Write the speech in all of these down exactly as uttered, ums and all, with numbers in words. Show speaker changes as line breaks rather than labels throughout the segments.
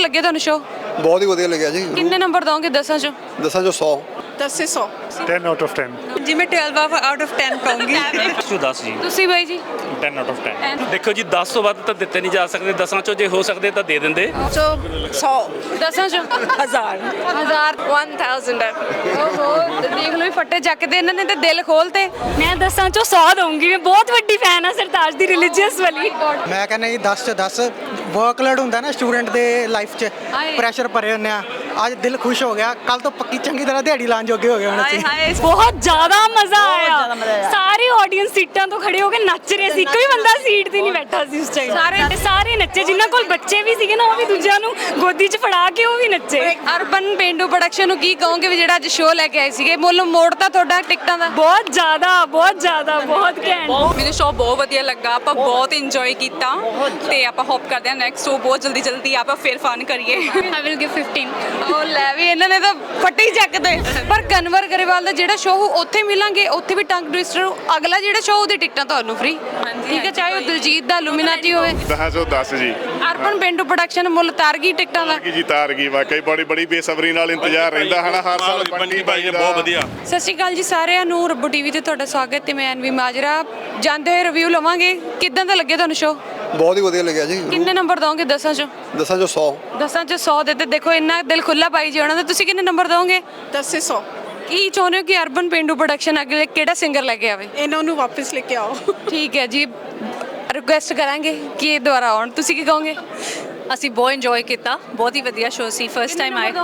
ਲੱਗੇ ਤੁਹਾਨੂੰ ਸ਼ੋ?
ਬਹੁਤ ਹੀ ਵਧੀਆ ਲੱਗਿਆ ਜੀ।
ਕਿੰਨੇ ਨੰਬਰ ਦੋਗੇ ਦਸਾਂ ਚੋਂ?
ਦਸਾਂ ਚੋਂ ਸੌ।
दस से सौ
ten out of ten
जी मैं ट्वेल्व आउट ऑफ टेन कहूँगी।
ਚੋਂ ਦਸ ਜੀ
ਤੁਸੀਂ ਬਾਈ ਜੀ?
ten out of ten ਦੇਖੋ ਜੀ ਦਸ ਤੋਂ ਵੱਧ ਤਾਂ ਦਿੱਤੇ ਨਹੀਂ ਜਾ ਸਕਦੇ, ਦਸਾਂ ਚੋਂ ਜੇ ਹੋ ਸਕਦੇ ਤਾਂ ਦੇ ਦਿੰਦੇ।
सौ सौ
ਦਸਾਂ ਚੋਂ
हजार
ਹਜ਼ਾਰ
वन थाउजेंड
ਓਹੋ ਦੇਖ ਲਓ ਵੀ ਫੱਟੇ ਚੱਕਦੇ ਇਹਨਾਂ ਨੇ ਤੇ ਦਿਲ ਖੋਲਤੇ।
ਮੈਂ ਦਸਾਂ ਚੋਂ ਸੌ ਦਊਂਗੀ। ਮੈਂ ਬਹੁਤ ਵੱਡੀ ਫੈਨ ਆ ਸਰਤਾਜ ਦੀ ਰਿਲੀਜੀਅਸ ਵਾਲੀ।
ਮੈਂ ਕਹਿੰਦਾ ਜੀ ਦਸ ਚ ਦਸ। ਵਰਕਲੋਡ ਹੁੰਦਾ ਨਾ ਸਟੂਡੈਂਟ ਦੇ ਲਾਈਫ 'ਚ,
ਹਾਏ।
ਪ੍ਰੈਸ਼ਰ ਭਰੇ ਹੁੰਦੇ ਆ। ਅੱਜ ਦਿਲ ਖੁਸ਼ ਹੋ ਗਿਆ, ਕੱਲ ਤੋਂ ਪੱਕੀ ਚੰਗੀ ਤਰ੍ਹਾਂ ਦਿਹਾੜੀ ਲਾਉਣ ਜੋਗੇ ਹੋ ਗਏ ਹੁਣ ਅਸੀਂ।
ਹਾਏ
ਬਹੁਤ ਜ਼ਿਆਦਾ ਮਜ਼ਾ ਆਇਆ। ਸਾਰੇ ਆਡੀਅנס ਸੀਟਾਂ ਤੋਂ ਖੜੇ ਹੋ ਕੇ ਨੱਚ ਰਹੇ ਸੀ। ਕੋਈ ਬੰਦਾ ਸੀਟ ਤੇ ਨਹੀਂ ਬੈਠਾ ਸੀ ਉਸ ਟਾਈਮ। ਸਾਰੇ ਸਾਰੇ ਨੱਚੇ, ਜਿਨ੍ਹਾਂ ਕੋਲ ਬੱਚੇ ਵੀ ਸੀਗੇ ਨਾ ਉਹ ਵੀ ਦੂਜਿਆਂ ਨੂੰ ਗੋਦੀ 'ਚ ਫੜਾ ਕੇ ਉਹ ਵੀ ਨੱਚੇ।
ਅਰਬਨ ਪੇਂਡੂ ਪ੍ਰੋਡਕਸ਼ਨ ਨੂੰ ਕੀ ਕਹੋਗੇ ਵੀ ਜਿਹੜਾ ਅੱਜ ਸ਼ੋਅ ਲੈ ਕੇ ਆਏ ਸੀਗੇ? ਮੁੱਲ ਮੋੜਤਾ ਤੁਹਾਡਾ ਟਿਕਟਾਂ ਦਾ?
ਬਹੁਤ ਜ਼ਿਆਦਾ ਬਹੁਤ ਜ਼ਿਆਦਾ ਬਹੁਤ ਘੈਂਟ।
ਮੈਨੂੰ ਸ਼ੋਅ ਬਹੁਤ ਵਧੀਆ ਲੱਗਾ। ਆਪਾਂ ਬਹੁਤ ਇੰਜੋਏ ਕੀਤਾ ਤੇ ਆਪਾਂ ਹੋਪ ਕਰਦੇ ਹਾਂ ਨੈਕਸਟ ਸ਼ੋਅ ਬਹੁਤ ਜਲਦੀ ਜਲਦੀ ਆਪਾਂ ਫਿਰ ਫਨ ਕਰੀਏ।
I will give fifteen.
ਉਹ ਲੈ ਵੀ ਇਹਨਾਂ ਨੇ ਤਾਂ ਫੱਟੇ ਹੀ ਚੱਕਦੇ। ਪਰ ਕਨਵਰ ਗਰੇਵਾਲ ਦਾ ਜਿਹੜਾ ਸ਼ੋਅ ਉੱਥੇ ਮਿਲਾਂਗੇ, ਉੱਥੇ ਵੀ ਟੰਗ ਟਵਿਸਟਰ। ਅਗਲਾ ਜਿਹੜਾ ਸ਼ੋਅ ਉਹਦੀ ਟਿਕਟਾਂ ਤੁਹਾਨੂੰ ਫ੍ਰੀ। ਠੀਕ ਹੈ, ਚਾਹੇ ਉਹ ਦਿਲਜੀਤ ਦਾ ਲੂਮੀਨਾਟੀ ਹੋਵੇ।
ਦਸ ਚੋਂ ਦਸ ਜੀ।
ਅਰਬਨ ਪੇਂਡੂ ਪ੍ਰੋਡਕਸ਼ਨ ਮੁੱਲ ਤਾਰ ਗਈ ਟਿਕਟਾਂ ਦਾ।
ਕੀ ਜੀ ਤਾਰ ਗਈ, ਵਾਕਈ ਬੜੀ ਬੜੀ ਬੇਸਬਰੀ ਨਾਲ ਇੰਤਜ਼ਾਰ ਰਹਿੰਦਾ ਹਨਾ ਹਰ ਸਾਲ।
ਬੰਟੀ ਭਾਈ ਨੇ ਬਹੁਤ ਵਧੀਆ।
ਸਤਿ ਸ਼੍ਰੀ ਅਕਾਲ ਜੀ ਸਾਰਿਆਂ ਨੂੰ। ਰੱਬੂ ਟੀਵੀ ਤੇ ਤੁਹਾਡਾ ਸਵਾਗਤ ਤੇ ਮੈਂ ਅਨਵੀ ਮਾਜਰਾ। ਜਾਂਦੇ ਹੋਏ ਰਿਵਿਊ ਲਵਾਂਗੇ। ਕਿੱਦਾਂ ਦਾ ਲੱਗਿਆ ਤੁਹਾਨੂੰ ਸ਼ੋਅ?
ਬਹੁਤ ਹੀ ਵਧੀਆ ਲੱਗਿਆ ਜੀ।
ਕਿੰਨੇ ਨੰਬਰ ਦੋਗੇ ਦਸਾਂ ਚੋਂ?
ਦਸਾਂ ਚੋਂ ਸੌ।
ਦਸਾਂ ਚੋਂ ਸੌ ਦੇ ਤੇ ਦੇਖੋ ਇੰਨਾ ਦਿਲ ਖੁੱਲਾ ਪਾਈ ਜੀ ਉਹਨਾਂ ਦਾ। ਤੁਸੀਂ ਕਿੰਨੇ ਨੰਬਰ ਦੋਗੇ?
दस से सौ
ਕੀ ਚਾਹੁੰਦੇ ਹੋ ਕਿ ਅਰਬਨ ਪੇਂਡੂ ਪ੍ਰੋਡਕਸ਼ਨ ਅਗਲੇ ਕਿਹੜਾ ਸਿੰਗਰ ਲੈ ਕੇ ਆਵੇ?
ਇਹਨਾਂ ਨੂੰ ਵਾਪਸ ਲੈ ਕੇ ਆਓ।
ਠੀਕ ਹੈ ਜੀ, ਰਿਕੁਐਸਟ ਕਰਾਂਗੇ ਕਿ ਇਹ ਦੁਬਾਰਾ ਆਉਣ। ਤੁਸੀਂ ਕੀ ਕਹੋਗੇ?
ਅਸੀਂ ਬਹੁਤ ਇੰਜੋਏ ਕੀਤਾ। ਬਹੁਤ ਹੀ ਵਧੀਆ ਸ਼ੋਅ ਸੀ। ਫਸਟ ਟਾਈਮ ਆਏ।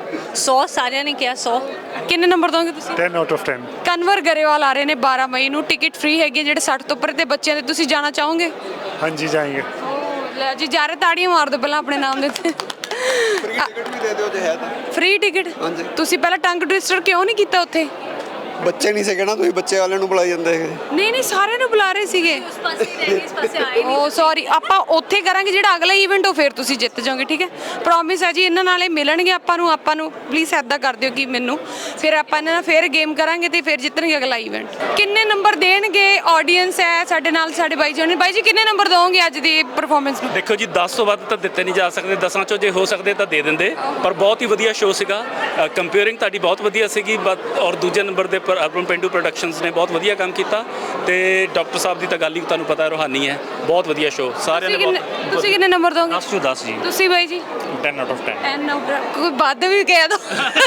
ਸੌ ਸਾਰਿਆਂ ਨੇ ਕਿਹਾ ਸੌ।
ਕਿੰਨੇ ਨੰਬਰ ਦੋਗੇ ਤੁਸੀਂ?
ten out of ten
Kanwar Grewal ਆ ਰਹੇ ਨੇ ਬਾਰਾਂ ਮਈ ਨੂੰ। ਟਿਕਟ ਫ੍ਰੀ ਹੈਗੀ ਹੈ ਜਿਹੜੇ ਸੱਠ ਤੋਂ ਉੱਪਰ ਦੇ ਬੱਚਿਆਂ ਦੇ। ਤੁਸੀਂ ਜਾਣਾ ਚਾਹੋਗੇ?
ਹਾਂਜੀ ਜਾਏंगे।
ਲੈ ਜੀ ਜਾ ਰਹੇ, ਤਾੜੀਆਂ ਮਾਰ ਦਿਓ ਪਹਿਲਾਂ ਆਪਣੇ ਨਾਮ ਦੇ ਉੱਤੇ।
ਫ੍ਰੀ ਟਿਕਟ ਵੀ ਦੇ ਦਿਓ ਜੇ ਹੈ ਤਾਂ।
Free ticket?
ਹਾਂਜੀ।
ਤੁਸੀਂ ਪਹਿਲਾਂ ਟੰਗ ਟਵਿਸਟਰ ਕਿਉਂ ਨਹੀਂ ਕੀਤਾ ਉੱਥੇ?
ਬੱਚੇ ਨਹੀਂ ਸੀਗੇ ਨਾ, ਤੁਸੀਂ ਬੱਚੇ ਵਾਲਿਆਂ ਨੂੰ ਬੁਲਾਈ ਜਾਂਦੇ ਹੈਗੇ।
ਨਹੀਂ ਨਹੀਂ ਸਾਰਿਆਂ ਨੂੰ ਬੁਲਾ ਰਹੇ ਸੀਗੇ।
ਉਸ ਪਾਸੇ ਰਹਿ ਗਏ, ਇਸ ਪਾਸੇ ਆਏ ਨਹੀਂ।
ਓ ਸੌਰੀ, ਆਪਾਂ ਉੱਥੇ ਕਰਾਂਗੇ ਜਿਹੜਾ ਅਗਲਾ ਇਵੈਂਟ ਉਹ ਫਿਰ ਤੁਸੀਂ ਜਿੱਤ ਜਾਓਗੇ। ਠੀਕ ਹੈ, ਪ੍ਰੋਮਿਸ ਹੈ ਜੀ। ਇਹਨਾਂ ਨਾਲ ਇਹ ਮਿਲਣਗੇ ਆਪਾਂ ਨੂੰ। ਆਪਾਂ ਨੂੰ ਪਲੀਜ਼ ਐਦਾਂ ਕਰ ਦਿਓ ਕਿ ਮੈਨੂੰ ਫਿਰ ਆਪਾਂ ਇਹਨਾਂ ਨਾਲ ਫਿਰ ਗੇਮ ਕਰਾਂਗੇ ਤੇ ਫਿਰ ਜਿੱਤਣਗੇ ਅਗਲਾ ਇਵੈਂਟ। ਕਿੰਨੇ ਨੰਬਰ ਦੇਣਗੇ? ਆਡੀਅנס ਹੈ ਸਾਡੇ ਨਾਲ, ਸਾਡੇ ਬਾਈ ਜੀ। ਬਾਈ ਜੀ ਕਿੰਨੇ ਨੰਬਰ ਦੋਗੇ ਅੱਜ ਦੀ ਪਰਫਾਰਮੈਂਸ ਨੂੰ?
ਦੇਖੋ ਜੀ ਦਸ ਤੋਂ ਵੱਧ ਤਾਂ ਦਿੱਤੇ ਨਹੀਂ ਜਾ ਸਕਦੇ, ਦਸਾਂ ਚੋਂ ਜੇ ਹੋ ਸਕਦੇ ਤਾਂ ਦੇ ਦਿੰਦੇ। ਪਰ ਬਹੁਤ ਹੀ ਵਧੀਆ ਸ਼ੋਅ ਸੀਗਾ। ਕੰਪੇਅਰਿੰਗ ਤੁਹਾਡੀ ਬਹੁਤ ਵਧੀਆ ਸੀਗੀ। ਬਟ ਔਰ ਦੂਜੇ ਨੰਬਰ ਦੇ ਪਰ ਅਰਬਨ ਪੇਂਡੂ ਪ੍ਰੋਡਕਸ਼ਨਸ ਨੇ ਬਹੁਤ ਵਧੀਆ ਕੰਮ ਕੀਤਾ ਤੇ ਡਾਕਟਰ ਸਾਹਿਬ ਦੀ ਤਾਂ ਗੱਲ ਹੀ ਤੁਹਾਨੂੰ ਪਤਾ ਰੂਹਾਨੀ ਹੈ। ਬਹੁਤ ਵਧੀਆ ਸ਼ੋਅ ਸਾਰਿਆਂ ਨੇ।
ਤੁਸੀਂ ਕਿੰਨੇ
ਬਹੁਤ
ਤੁਸੀਂ ਕਿੰਨੇ ਨੰਬਰ ਦੋਗੇ?
ਦਸ ਚੋਂ ਦਸ ਜੀ।
ਤੁਸੀਂ ਬਾਈ ਜੀ?
ten out of ten
ਐਨ ਕੋਈ ਵੱਧ ਵੀ ਕਹਿ ਦੋ।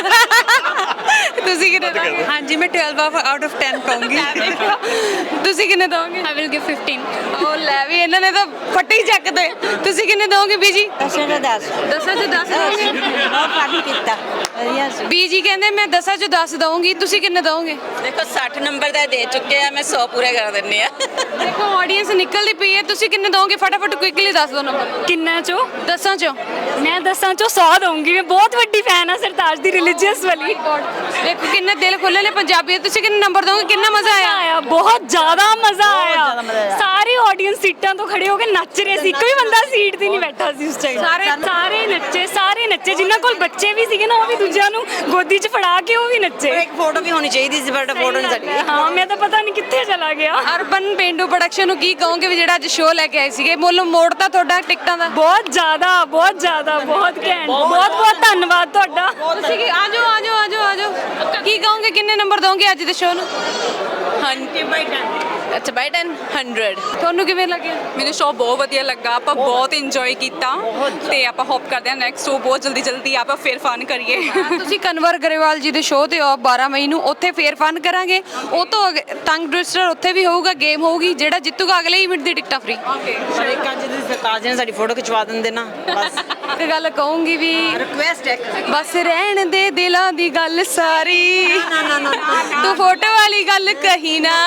ਤੁਸੀਂ ਕਿੰਨੇ ਦੋਗੇ?
हाँ जी मैं ट्वेल्व आउट ऑफ टेन कहूँगी।
ਤੁਸੀਂ ਕਿੰਨੇ ਦੋਗੇ?
I will give fifteen.
ਉਹ ਲੈ ਵੀ ਇਹਨਾਂ ਨੇ ਤਾਂ ਫੱਟੇ ਹੀ ਚੱਕਦੇ। ਤੁਸੀਂ ਕਿੰਨੇ ਦੋਗੇ ਬੀਜੀ?
दस से दस
ਦਸਾਂ ਚੋਂ ਦਸ ਦੋਗੇ?
बहुत पानी पीता ਵਧੀਆ ਸੀ।
ਬੀਜੀ ਕਹਿੰਦੇ ਮੈਂ ਦਸਾਂ ਚੋਂ ਦਸ ਦਊਂਗੀ। ਤੁਸੀਂ ਕਿੰਨੇ ਦੋਗੇ?
ਦੇਖੋ ਸੱਠ ਨੰਬਰ ਦਾ ਦੇ ਚੁੱਕੇ ਆ। ਮੈਂ ਸੌ ਪੂਰੇ ਕਰ ਦਿੰਨੀ ਆ।
ਦੇਖੋ ਆਡੀਅנס ਨਿਕਲਦੀ ਪਈ ਹੈ। ਤੁਸੀਂ ਕਿੰਨੇ ਦੋਗੇ? ਫਟਾਫਟ ਕੁਇਕਲੀ ਦੱਸ ਦਿਓ ਨੰਬਰ।
ਕਿੰਨਾ ਚੋਂ?
ਦਸਾਂ ਚੋਂ?
ਮੈਂ ਦਸਾਂ ਚੋਂ ਸੌ ਦਊਂਗੀ। ਮੈਂ ਬਹੁਤ ਵੱਡੀ ਫੈਨ ਆ ਸਰਤਾਜ ਦੀ ਰਿਲੀਜੀਅਸ ਵਾਲੀ।
ਦੇਖੋ ਕਿੰਨੇ ਦਿਲ ਖੁੱਲੇ ਨੇ ਪੰਜਾਬੀ। ਤੁਸੀਂ ਕਿੰਨੇ ਨੰਬਰ ਦੋਗੇ? ਕਿੰਨਾ ਮਜ਼ਾ ਆਇਆ?
ਆਇਆ ਬਹੁਤ ਜ਼ਿਆਦਾ ਮਜ਼ਾ ਆਇਆ। ਸਾਰੇ ਆਡੀਅנס ਸੀਟਾਂ ਤੋਂ ਖੜੇ ਹੋ ਕੇ ਨੱਚ ਰਹੇ ਸੀ। ਕੋਈ ਬੰਦਾ ਸੀਟ ਤੇ ਨਹੀਂ ਬੈਠਾ ਸੀ ਉਸ ਟਾਈਮ। ਸਾਰੇ ਸਾਰੇ ਨੱਚੇ ਸਾਰੇ ਨੱਚੇ, ਜਿਨ੍ਹਾਂ ਕੋਲ ਬੱਚੇ ਵੀ ਸੀਗੇ ਨਾ ਉਹ ਵੀ ਦੂਜਿਆਂ ਨੂੰ ਗੋਦੀ 'ਚ ਫੜਾ ਕੇ ਉਹ ਵੀ ਨੱਚੇ।
ਇੱਕ ਫੋਟੋ ਵੀ ਹੋਣੀ ਚਾਹੀਦੀ ਸੀ ਬਟ ਫੋਟੋ ਨਹੀਂ ਸਾਡੀ।
ਹਾਂ ਮੈਂ ਤਾਂ ਪਤਾ ਨਹੀਂ ਕਿੱਥੇ ਚਲਾ ਗਿਆ।
ਅਰਬਨ ਪੇਂਡੂ ਪ੍ਰੋਡਕਸ਼ਨ ਨੂੰ ਕੀ ਕਹੋਗੇ ਵੀ ਜਿਹੜਾ ਅੱਜ ਸ਼ੋਅ ਲੈ ਕੇ ਆਏ ਸੀਗੇ? ਮੁੱਲ ਮੋੜਤਾ ਤੁਹਾਡਾ ਟਿਕਟਾਂ ਦਾ?
ਬਹੁਤ ਜ਼ਿਆਦਾ ਬਹੁਤ ਜ਼ਿਆਦਾ ਬਹੁਤ ਘੈਂਟ। ਬਹੁਤ ਬਹੁਤ ਧੰਨਵਾਦ ਤੁਹਾਡਾ।
ਤੁਸੀਂ ਕੀ ਆਜੋ ਆਜੋ ਆਜੋ ਆਜੋ ਕੀ ਕਹੋਗੇ? ਕਿੰਨੇ ਨੰਬਰ ਦੋਗੇ ਅੱਜ ਦੇ ਸ਼ੋਅ ਨੂੰ?
ਹਾਂਜੀ ਬਾਈ ਟੈਨ। ਅੱਛਾ ਬਾਈ ਟੈਨ ਹੰਡਰਡ।
ਤੁਹਾਨੂੰ ਕਿਵੇਂ ਲੱਗਿਆ?
ਮੈਨੂੰ ਸ਼ੋਅ ਬਹੁਤ ਵਧੀਆ ਲੱਗਾ। ਆਪਾਂ ਬਹੁਤ ਇੰਜੋਏ ਕੀਤਾ ਤੇ ਆਪਾਂ ਹੋਪ ਕਰਦੇ ਹਾਂ ਨੈਕਸਟ ਸ਼ੋਅ ਬਹੁਤ ਜਲਦੀ ਜਲਦੀ ਆਪਾਂ ਫਿਰ ਫਨ ਕਰੀਏ।
ਤੁਸੀਂ ਕਨਵਰ ਗਰੇਵਾਲ ਜੀ ਦੇ ਸ਼ੋਅ ਤੇ ਆਓ ਬਾਰਾਂ ਮਈ ਨੂੰ। ਉੱਥੇ ਫੇਰ ਫਨ ਕਰਾਂਗੇ। ਉਹ ਤੋਂ ਅਗ- ਟੰਗ ਟਵਿਸਟਰ ਉੱਥੇ ਵੀ ਹੋਊਗਾ, ਗੇਮ ਹੋਊਗੀ। ਜਿਹੜਾ ਜਿੱਤੂਗਾ ਅਗਲੇ ਇਵੈਂਟ ਦੀ ਟਿਕਟਾਂ ਫ੍ਰੀ।
ਪਰ ਇੱਕ ਅੱਜ ਦੀ ਸਰਤਾਜ ਨੇ ਸਾਡੀ ਫੋਟੋ ਖਿਚਵਾ ਦਿੰਦੇ ਨਾ ਬਸ।
ਇੱਕ ਗੱਲ ਕਹੂੰਗੀ ਵੀ
ਰਿਕੁਐਸਟ ਹੈ
ਬਸ ਰਹਿਣ ਦੇ ਦਿਲਾਂ ਦੀ ਗੱਲ ਸਾਰੀ। ਤੂੰ ਫੋਟੋ ਵਾਲੀ ਗੱਲ ਕਹੀ ਨਾ।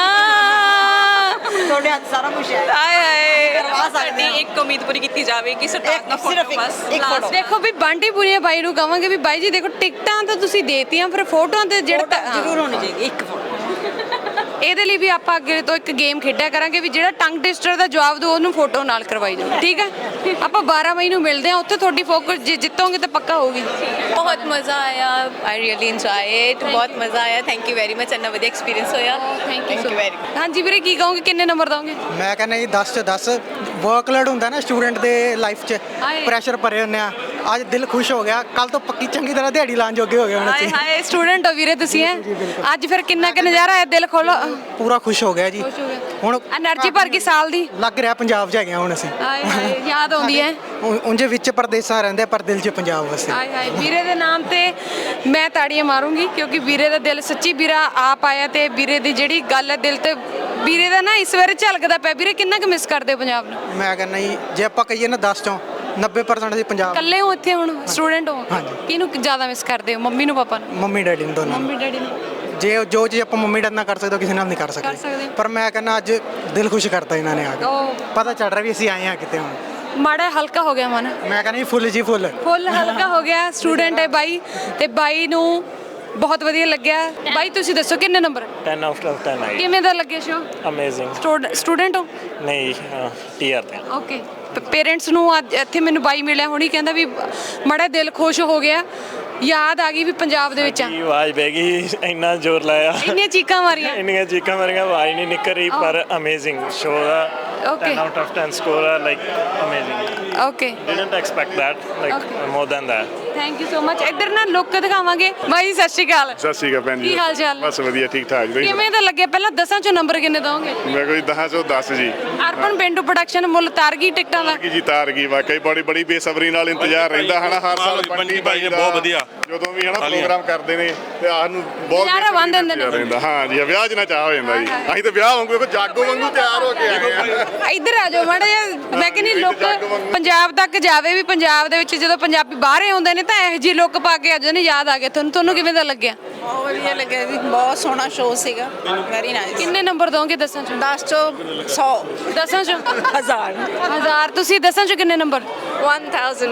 ਤੁਹਾਡੇ ਹੱਥ ਸਾਰਾ ਕੁਝ ਹੈ।
ਆਏ ਹਾਏ
ਕਰਵਾ ਸਕਦੇ
ਸਾਡੀ
ਹਾਂ।
ਇੱਕ ਉਮੀਦ ਪੂਰੀ ਕੀਤੀ ਜਾਵੇ ਕਿ ਸਰਤਾਜ ਦਾ
ਸਿਰਫ
ਫੋਟੋ
ਇੱਕ-
ਬਸ
ਇੱਕ
last
photo।
ਦੇਖੋ ਵੀ ਬੰਟੀ ਪੁਰੀਆ ਬਾਈ ਨੂੰ ਕਵਾਂਗੇ ਵੀ ਬਾਈ ਜੀ ਦੇਖੋ ਟਿਕਟਾਂ ਤਾਂ ਤੁਸੀਂ ਦੇਤੀਆਂ ਪਰ ਫੋਟੋਆਂ ਤੇ ਜਿਹੜਾ ਤਾਂ-
ਜ਼ਰੂਰ ਹੋਣੀ ਚਾਹੀਦੀ ਇੱਕ ਫੋਟੋ।
ਇਹਦੇ ਲਈ ਵੀ ਆਪਾਂ ਅੱਗੇ ਤੋਂ ਇੱਕ ਗੇਮ ਖੇਡਿਆ ਕਰਾਂਗੇ ਵੀ ਜਿਹੜਾ ਟੰਗ ਟਵਿਸਟਰ ਦਾ ਜਵਾਬ ਦਿਓ ਉਹਨੂੰ ਫੋਟੋ ਨਾਲ ਕਰਵਾਈ ਜਾਓ। ਠੀਕ ਹੈ, ਆਪਾਂ ਬਾਰਾਂ ਮਈ ਨੂੰ ਮਿਲਦੇ ਹਾਂ ਉੱਥੇ। ਤੁਹਾਡੀ ਫੋਕਸ ਜੇ ਜਿੱਤੋਗੇ ਤਾਂ ਪੱਕਾ ਹੋਊਗੀ।
ਬਹੁਤ ਮਜ਼ਾ ਆਇਆ। I really enjoy it. ਬਹੁਤ ਮਜ਼ਾ ਆਇਆ। Thank you very much. ਇੰਨਾ ਵਧੀਆ ਐਕਸਪੀਰੀਅੰਸ ਹੋਇਆ।
ਥੈਂਕ ਯੂ
ਵੈਰੀ
ਹਾਂਜੀ ਵੀਰੇ ਕੀ ਕਹੋਗੇ? ਕਿੰਨੇ ਨੰਬਰ ਦੋਗੇ?
ਮੈਂ ਕਹਿੰਦਾ ਜੀ ਦਸ ਚ ਦਸ। ਵਰਕਲੋਡ ਹੁੰਦਾ ਨਾ ਸਟੂਡੈਂਟ ਦੇ ਲਾਈਫ 'ਚ,
ਹਾਏ।
ਪ੍ਰੈਸ਼ਰ ਭਰੇ ਹੁੰਦੇ ਆ। ਅੱਜ ਦਿਲ ਖੁਸ਼ ਹੋ ਗਿਆ ਕੱਲ ਤੋਂ ਪੱਕੀ ਚੰਗੀ ਤਰ੍ਹਾਂ ਦਿਹਾੜੀ ਲਾਣ ਜੋਗੇ ਹੋ ਗਏ ਹੁਣ
ਹਾਏ
ਅਸੀਂ
ਹਾਏ ਸਟੂਡੈਂਟ ਹੋ ਵੀਰੇ ਤੁਸੀਂ ਹੈ ਅੱਜ ਫਿਰ ਕਿੰਨਾ ਕਿ ਨਜ਼ਾਰਾ ਆਇਆ ਦਿਲ ਖੋਲੋ
ਪੂਰਾ ਖੁਸ਼ ਹੋ ਗਿਆ ਜੀ ਹੁਣ
એનર્ਜੀ ਭਰ ਗਈ ਸਾਲ ਦੀ
ਲੱਗ ਰਿਹਾ ਪੰਜਾਬ 'ਚ ਹੈਗੇ ਹਾਂ ਹੁਣ ਅਸੀਂ
ਹਾਏ ਹਾਏ ਯਾਦ ਆਉਂਦੀ ਹੈ
ਉਂਝੇ ਵਿੱਚ ਪਰਦੇਸਾਂ ਰਹਿੰਦੇ ਪਰ ਦਿਲ 'ਚ ਪੰਜਾਬ ਵਸੇ
ਹਾਏ ਹਾਏ ਵੀਰੇ ਦੇ ਨਾਮ ਤੇ ਮੈਂ ਤਾੜੀਆਂ ਮਾਰੂੰਗੀ ਕਿਉਂਕਿ ਵੀਰੇ ਦਾ ਦਿਲ ਸੱਚੀ ਵੀਰਾ ਆਪ ਆਇਆ ਤੇ ਵੀਰੇ ਦੀ ਜਿਹੜੀ ਗੱਲ ਹੈ ਦਿਲ ਤੇ ਵੀਰੇ ਦਾ ਨਾ ਇਸ ਵਾਰ ਝਲਕਦਾ ਪਿਆ ਵੀਰੇ ਕਿੰਨਾ ਕੁ ਮਿਸ ਕਰਦੇ ਹੋ ਪੰਜਾਬ ਨੂੰ
ਮੈਂ ਕਹਿੰਦਾ ਜੀ ਜੇ ਆਪਾਂ ਕਹੀਏ ਨਾ ਦਸ ਚੋਂ ਨੱਬੇ ਪਰਸੈਂਟ ਅਸੀਂ ਪੰਜਾਬ
ਇਕੱਲੇ ਹੋ ਇੱਥੇ ਹੁਣ ਸਟੂਡੈਂਟ ਹੋ
ਹਾਂਜੀ।
ਕਿਹਨੂੰ ਜ਼ਿਆਦਾ ਮਿਸ ਕਰਦੇ ਹੋ ਮੰਮੀ ਨੂੰ ਪਾਪਾ ਨੂੰ
ਮੰਮੀ ਡੈਡੀ ਨੂੰ ਦੋਨਾਂ ਨੂੰ।
ਮੰਮੀ ਡੈਡੀ ਨੂੰ
ਜੇ ਜੋ ਚੀਜ਼ ਆਪਾਂ ਮੰਮੀ ਡੈਡੀ ਨਾਲ ਕਰ ਸਕਦੇ ਹੋ ਕਿਸੇ ਨਾਲ ਨਹੀਂ ਕਰ
ਕਰ ਸਕਦੇ।
ਸਕਦੇ ਪਰ ਮੈਂ ਕਹਿੰਦਾ ਅੱਜ ਦਿਲ ਖੁਸ਼ ਕਰਤਾ ਇਹਨਾਂ ਨੇ ਆ ਕੇ
ਉਹ
ਪਤਾ ਚੱਲ ਰਿਹਾ ਵੀ ਅਸੀਂ ਆਏ ਹਾਂ ਕਿਤੇ ਹੁਣ
ਮਾੜਾ ਹਲਕਾ ਹੋ ਗਿਆ ਮਨ
ਮੈਂ ਕਹਿੰਦਾ ਜੀ ਫੁੱਲ ਜੀ ਫੁੱਲ
ਫੁੱਲ ਹਲਕਾ ਹੋ ਗਿਆ ਸਟੂਡੈਂਟ ਹੈ ਬਾਈ ਤੇ ਬਾਈ ਨੂੰ ਬਹੁਤ ਵਧੀਆ ਲੱਗਿਆ ਬਾਈ ਤੁਸੀਂ ਦੱਸੋ ਕਿੰਨੇ number
ten out of ten ਆਈ
ਕਿਵੇਂ ਦਾ ਲੱਗਿਆ ਸ਼ੋ
ਅਮੇਜ਼ਿੰਗ
ਸਟੂਡੈਂਟ ਹੋ
ਨਹੀਂ ਟੀਆਰ ਤੇ
ਓਕੇ ਪੇਰੈਂਟਸ ਨੂੰ ਅੱਜ ਇੱਥੇ ਮੈਨੂੰ ਬਾਈ ਮਿਲਿਆ ਹੁਣੀ ਕਹਿੰਦਾ ਵੀ ਮੜਾ ਦਿਲ ਖੁਸ਼ ਹੋ ਗਿਆ ਯਾਦ ਆ ਗਈ ਵੀ ਪੰਜਾਬ ਦੇ ਵਿੱਚ ਆ
ਕੀ ਆਵਾਜ਼ ਬਹਿ ਗਈ ਇੰਨਾ ਜ਼ੋਰ ਲਾਇਆ
ਇੰਨੀਆਂ ਚੀਕਾਂ ਮਾਰੀਆਂ
ਇੰਨੀਆਂ ਚੀਕਾਂ ਮਾਰੀਆਂ ਆਵਾਜ਼ ਨਹੀਂ ਨਿਕਲ ਰਹੀ ਪਰ ਅਮੇਜ਼ਿੰਗ ਸ਼ੋ ਦਾ
Okay.
ten out of ten score ਆ like amazing
okay
didn't expect that like
Okay.
more than that
thank you so much ਇੱਧਰ ਨਾ ਲੁੱਕ ਦਿਖਾਵਾਂਗੇ ਬਾਈ ਜੀ, ਸਤਿ ਸ਼੍ਰੀ ਅਕਾਲ
ਸਤਿ ਸ਼੍ਰੀ ਅਕਾਲ ਭੈਣ ਜੀ
ਕੀ ਹਾਲ ਚਾਲ?
ਬਸ ਵਧੀਆ ਠੀਕ ਠਾਕ ਜੀ
ਕਿਵੇਂ ਦਾ ਲੱਗਿਆ ਪਹਿਲਾਂ ਦਸਾਂ ਚੋਂ ਨੰਬਰ ਕਿੰਨੇ ਦੋਗੇ
ਮੈਂ ਕੋਈ ਦਸ ਚੋਂ ਦਸ ਜੀ
ਅਰਬਨ ਪਿੰਡੂ ਪ੍ਰੋਡਕਸ਼ਨ ਮੁੱਲ ਤਾਰ ਗਈ ਟਿਕਟਾਂ ਦਾ
ਕੀ ਜੀ ਤਾਰ ਗਈ ਵਾਕਈ ਬੜੀ ਬੜੀ ਬੇਸਬਰੀ ਨਾਲ ਇੰਤਜ਼ਾਰ ਰਹਿੰਦਾ ਹਨਾ ਹਰ ਸਾਲ
ਬੰਟੀ ਭਾਈ ਨੇ ਬਹੁਤ ਵਧੀਆ
ਜਦੋਂ ਵੀ ਹਨਾ ਪ੍ਰੋਗਰਾਮ ਕਰਦੇ ਨੇ ਤੇ ਆਹ ਨੂੰ ਬਹੁਤ
ਨਜ਼ਾਰਾ ਬੰਨ੍ਹ ਦਿੰਦੇ ਨੇ।
ਇੰਤਜ਼ਾਰ ਰਹਿੰਦਾ ਹਾਂ ਜੀ ਵਿਆਹ ਜਨਾ ਚਾਹ ਹੋ ਜਾਂਦਾ ਜੀ ਅਸੀਂ ਤਾਂ ਵਿਆਹ ਵਾਂਗੂ ਵੇਖੋ ਜਾਗੋ ਵਾਂਗੂ ਤਿਆਰ ਹੋ ਕੇ ਆਏ ਆ
ਇੱਧਰ ਆ ਜਾਓ ਮਾੜਾ ਜਿਹਾ ਮੈਂ ਕਹਿੰਦੀ ਲੁੱਕ ਪੰਜਾਬ ਤੱਕ ਜਾਵੇ ਵੀ ਪੰਜਾਬ ਦੇ ਵਿੱਚ ਜਦੋਂ ਪੰਜਾਬੀ ਬਾਹਰ ਆਉਂਦੇ ਨੇ ਤਾਂ ਇਹੋ ਜਿਹੀ ਲੁੱਕ ਪਾ ਕੇ ਆ ਜਾਂਦੇ ਨੇ ਯਾਦ ਆ ਗਿਆ ਤੁਹਾਨੂੰ ਤੁਹਾਨੂੰ ਕਿਵੇਂ ਦਾ ਲੱਗਿਆ
ਬਹੁਤ ਵਧੀਆ ਲੱਗਿਆ ਜੀ ਬਹੁਤ ਸੋਹਣਾ ਸ਼ੋਅ ਸੀਗਾ ਵੈਰੀ ਨਾਈਸ
ਕਿੰਨੇ ਨੰਬਰ ਦੋਗੇ ਦਸਾਂ ਚੋਂ
ਦਸ ਚੋਂ ਸੌ
ਦਸਾਂ ਚੋਂ
ਹਜ਼ਾਰ
ਹਜ਼ਾਰ ਤੁਸੀਂ ਦਸਾਂ ਚੋਂ ਕਿੰਨੇ ਨੰਬਰ
one thousand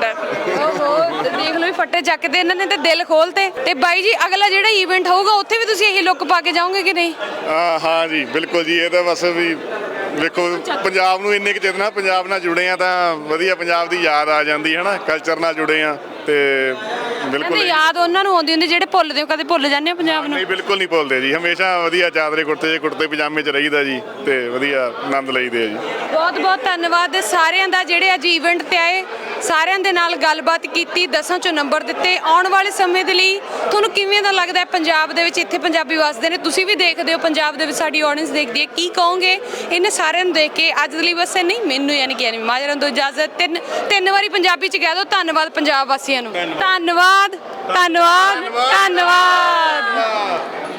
ਓਹੋ ਦੇਖ ਲਓ ਵੀ ਫੱਟੇ ਚੱਕਦੇ ਇਹਨਾਂ ਨੇ ਤੇ ਦਿਲ ਖੋਲਤੇ ਤੇ ਬਾਈ ਜੀ ਅਗਲਾ ਜਿਹੜਾ ਇਵੈਂਟ ਹੋਊਗਾ ਉੱਥੇ ਵੀ ਤੁਸੀਂ ਇਹੀ ਲੁੱਕ ਪਾ ਕੇ ਜਾਓਗੇ ਕਿ ਨਹੀਂ
ਹਾਂ ਹਾਂ ਜੀ ਬਿਲਕੁਲ ਜੀ ਇਹ ਤਾਂ ਬਸ ਵੀ ਵੇਖੋ ਪੰਜਾਬ ਨੂੰ ਇੰਨੇ ਕੁ ਚਿਰ ਨਾਲ ਪੰਜਾਬ ਨਾਲ ਜੁੜੇ ਆ ਤਾਂ ਵਧੀਆ ਪੰਜਾਬ ਦੀ ਯਾਦ ਆ ਜਾਂਦੀ ਹੈ ਨਾ ਕਲਚਰ ਨਾਲ ਜੁੜੇ ਆ ਤੇ ਬਿਲਕੁਲ
ਕਹਿੰਦੇ ਯਾਦ ਉਹਨਾਂ ਨੂੰ ਆਉਂਦੀ ਹੁੰਦੀ ਜਿਹੜੇ ਭੁੱਲਦੇ ਹੋ ਕਦੇ ਭੁੱਲ ਜਾਂਦੇ ਹੋ ਪੰਜਾਬ ਨੂੰ
ਨਹੀਂ ਬਿਲਕੁਲ ਨਹੀਂ ਭੁੱਲਦੇ ਜੀ ਹਮੇਸ਼ਾ ਵਧੀਆ ਚਾਦਰੇ ਕੁੜਤੇ ਕੁੜਤੇ ਪਜਾਮੇ 'ਚ ਰਹੀਦਾ ਜੀ ਤੇ ਵਧੀਆ ਆਨੰਦ ਲਈਦੇ ਆ ਜੀ
ਬਹੁਤ ਬਹੁਤ ਧੰਨਵਾਦ ਸਾਰਿਆਂ ਦਾ ਜਿਹੜੇ ਅੱਜ ਇਵੈਂਟ ਤੇ ਆਏ ਸਾਰਿਆਂ ਦੇ ਨਾਲ ਗੱਲਬਾਤ ਕੀਤੀ ਦਸਾਂ ਚੋਂ ਨੰਬਰ ਦਿੱਤੇ ਆਉਣ ਵਾਲੇ ਸਮੇਂ ਦੇ ਲਈ ਤੁਹਾਨੂੰ ਕਿਵੇਂ ਦਾ ਲੱਗਦਾ ਹੈ ਪੰਜਾਬ ਦੇ ਵਿੱਚ ਇੱਥੇ ਪੰਜਾਬੀ ਵਸਦੇ ਨੇ ਤੁਸੀਂ ਵੀ ਦੇਖਦੇ ਹੋ ਪੰਜਾਬ ਦੇ ਵਿੱਚ ਸਾਡੀ ਆਡੀਅנס ਦੇਖਦੀ ਹੈ ਕੀ ਕਹੋਗੇ ਇਹਨੇ ਸਾਰਿਆਂ ਨੂੰ ਦੇਖ ਕੇ ਅੱਜ ਦੇ ਲਈ ਬਸ ਨਹੀਂ ਮੈਨੂੰ ਯਾਨੀ ਕਿ ਐਨੀ ਮਾਜਰਨ ਤੋਂ ਇਜਾਜ਼ਤ ਤਿੰਨ ਤਿੰਨ ਵਾਰੀ ਪੰਜਾਬੀ ਚ ਕਹਿ ਦਿਓ ਧੰਨਵਾਦ ਪੰਜਾਬ ਵਾਸੀਆਂ ਨੂੰ ਧੰਨਵਾਦ ਧੰਨਵਾਦ ਧੰਨਵਾਦ